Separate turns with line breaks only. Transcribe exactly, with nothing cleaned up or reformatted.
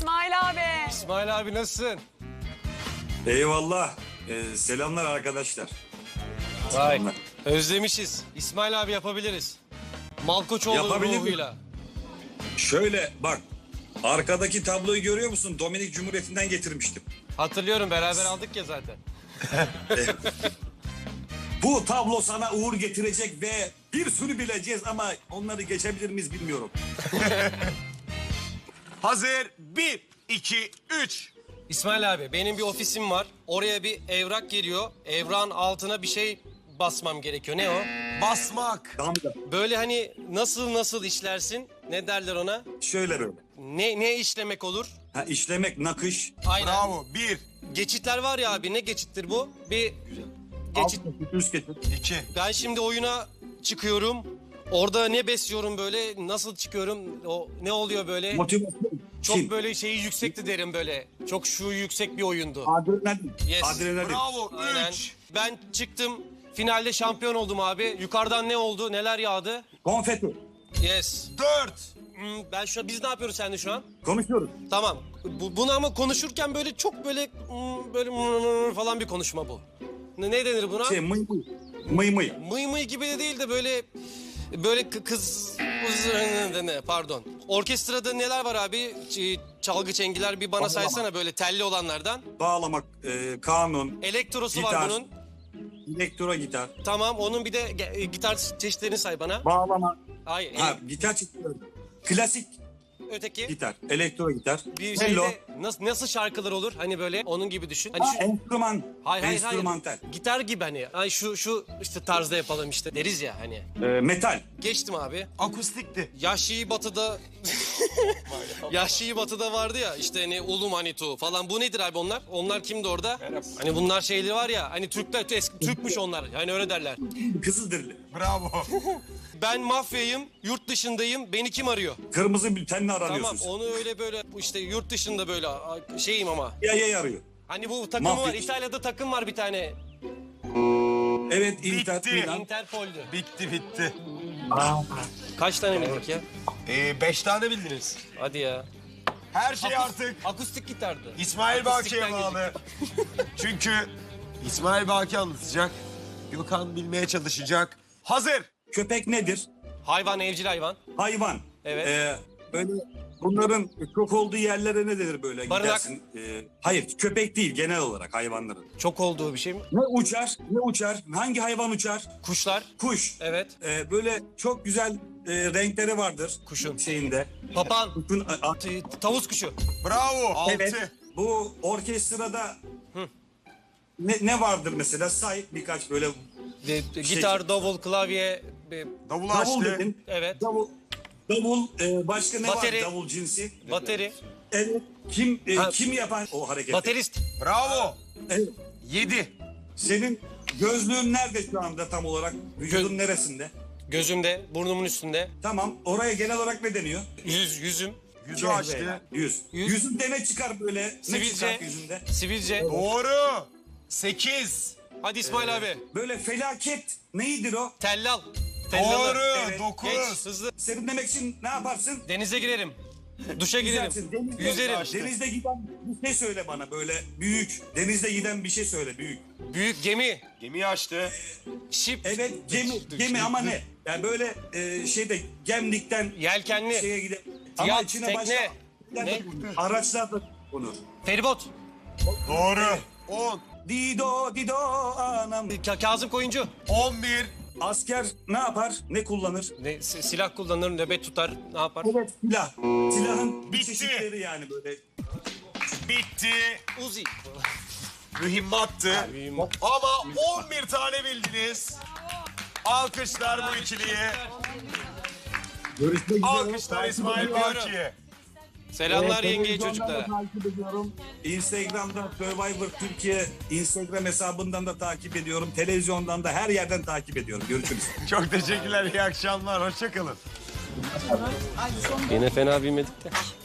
İsmail abi.
İsmail abi nasılsın?
Eyvallah. Ee, selamlar arkadaşlar.
Vay. Özlemişiz. İsmail abi yapabiliriz. Malkoçoğlu
Yapabilir mi?
ruhuyla.
Şöyle bak. Arkadaki tabloyu görüyor musun? Dominik Cumhuriyeti'nden getirmiştim.
Hatırlıyorum, beraber aldık ya zaten.
Bu tablo sana uğur getirecek ve bir sürü bileceğiz ama onları geçebilir miyiz bilmiyorum.
Hazır. Bir, iki, üç.
İsmail abi, benim bir ofisim var. Oraya bir evrak geliyor. Evrağın altına bir şey basmam gerekiyor. Ne o?
Basmak.
Damga.
Böyle hani nasıl nasıl işlersin? Ne derler ona?
Şöyle böyle.
Ne ne işlemek olur?
Ha, işlemek, nakış.
Aynen.
Bravo. Bir,
Geçitler var ya abi, ne geçittir bu? Bir geçit.
Alt geçit, üst geçit.
iki.
Ben şimdi oyuna çıkıyorum. Orada ne besliyorum böyle? Nasıl çıkıyorum? O ne oluyor böyle?
Motivasyon.
Çok
Kim?
böyle şeyi yüksekti derim böyle. Çok şu yüksek bir oyundu.
Adrenalin.
Yes.
Adrenalin.
Bravo.
Aynen.
Üç.
Ben çıktım. Finalde şampiyon oldum abi. Yukarıdan ne oldu? Neler yağdı?
Konfeti.
Yes.
Dört.
Hmm, ben şu biz ne yapıyoruz seninle şu an?
Konuşuyoruz.
Tamam. Bu, bunu ama konuşurken böyle çok böyle hmm, böyle hmm falan bir konuşma bu. Ne, ne denir buna?
Şey mıy mıy. Mıy mıy.
Mıy mıy gibi de değil de böyle böyle kı- kız ne pardon. Orkestrada neler var abi? Ç- Çalgı çengiler bir bana
Bağlama.
saysana böyle telli olanlardan.
Bağlamak, e, kanun,
Elektrosu var
Gitar.
bunun.
elektro gitar,
Tamam, onun bir de ge- e, gitar çeşitlerini say bana.
bağlama.
Hayır,
Ha, gitar çeşitleri. Klasik
öteki.
gitar, elektro gitar,
Bir
cello.
şeyde nasıl nasıl şarkılar olur? Hani böyle onun gibi düşün. Hani
Ha,
şu
enstrüman,
hayır hayır hayır.
enstrümantal.
Gitar gibi hani. Ay şu şu işte tarzda yapalım işte deriz ya hani.
E, metal.
Geçtim abi.
Akustikti.
Yahşi Batı'da Yahşi Batı'da vardı ya işte hani Ulu Manitu falan. Bu nedir abi onlar? Onlar kimdi orada? Hani bunlar şeyleri var ya hani Türkler eski Türkmüş onlar. Hani öyle derler.
Kızılderili.
Bravo.
Ben mafyayım, yurt dışındayım. Beni kim arıyor?
Kırmızı bültenle aranıyorsun.
Tamam,
sen.
onu öyle böyle işte yurt dışında böyle a- şeyim ama.
Yaya arıyor.
Hani bu takımı var.
Mafya.
İtalya'da takım var bir tane.
Evet, Inter
Bitti.
Milan.
Interpol'dü.
Bitti bitti.
Kaç tane bildik ya?
Ee, beş tane bildiniz.
Hadi ya.
Her şey
Akus-
artık
Akustik gitardı.
İsmail
Akustikten
Baki'ye bağlı. Çünkü İsmail Baki anlatacak. Gökhan bilmeye çalışacak. Hazır.
Köpek nedir?
Hayvan, evcil hayvan.
Hayvan.
Evet.
Ee, böyle bunların çok olduğu yerlere ne denir böyle?
Barınak.
Gidersin. Ee, hayır, köpek değil genel olarak hayvanların.
Çok olduğu bir şey mi?
Ne uçar? Ne uçar? Hangi hayvan uçar?
Kuşlar.
Kuş.
Evet.
Ee, böyle çok güzel e, renkleri vardır.
Kuşun.
Şeyinde.
Papağan.
Kuşun, a- a-
T- Tavus kuşu.
Bravo. Altı.
evet. Bu orkestrada ne, ne vardır mesela? Say birkaç böyle
De- de- gitar, davul, klavye. be-
Davul
davul
açtı.
dedin.
Evet.
Davul. Davul. e, başka ne
Bateri.
var davul cinsi?
Bateri.
Evet. Kim e,
Ha.
kim yapan o hareketi?
Baterist.
Bravo.
Evet.
Yedi.
Senin gözlüğün nerede şu anda tam olarak? Vücudun
Gö-
neresinde?
Gözümde, burnumun üstünde.
Tamam. Oraya genel olarak ne deniyor?
Yüz, yüzüm.
Yüzü
Cezve
açtı.
yani. Yüz.
Yüz.
Yüzünde ne çıkar böyle? Ne
Sivilce.
çıkar yüzünde?
Sivilce.
Doğru. Sekiz.
Hadi İsmail abi.
Böyle felaket neydir o?
Tellal. Tellalı.
Doğru.
Evet.
Dokuz.
Geç, hızlı.
Serinlemek için ne yaparsın?
Denize girerim. Duşa girerim.
Yüzersin. Denizde,
Yüzerim.
denizde giden bir şey söyle bana böyle büyük. Denizde giden bir şey söyle büyük.
Büyük gemi.
Gemiyi açtı.
Şip.
Evet gemi, gemi ama ne? Yani böyle e, şeyde gemlikten
Yelkenli.
şeye giden. Ama
Yat,
içine
tekne.
başka
Ne?
araçlar da konur.
Feribot.
Doğru. On.
Dido dido anam.
Ka- Kazım Koyuncu.
On bir.
Asker ne yapar? Ne kullanır?
Ne, si- silah kullanır, nöbet tutar, ne yapar?
Evet silah. Silahın bir
Bitti.
çeşitleri yani böyle.
Bitti.
Uzi.
Mühimmattı.
mühimmat.
Ama on bir tane bildiniz. Alkışlar bu ikiliye.
Görüşmek üzere.
Alkışlar İsmail Baki'ye.
Selamlar yengeye
Televizyondan da
çocuklara.
takip ediyorum. Instagram'da Survivor Türkiye Instagram hesabından da takip ediyorum. Televizyondan da her yerden takip ediyorum. Görüşürüz.
Çok teşekkürler. İyi akşamlar. Hoşça kalın.
Yine fena bilmedik de.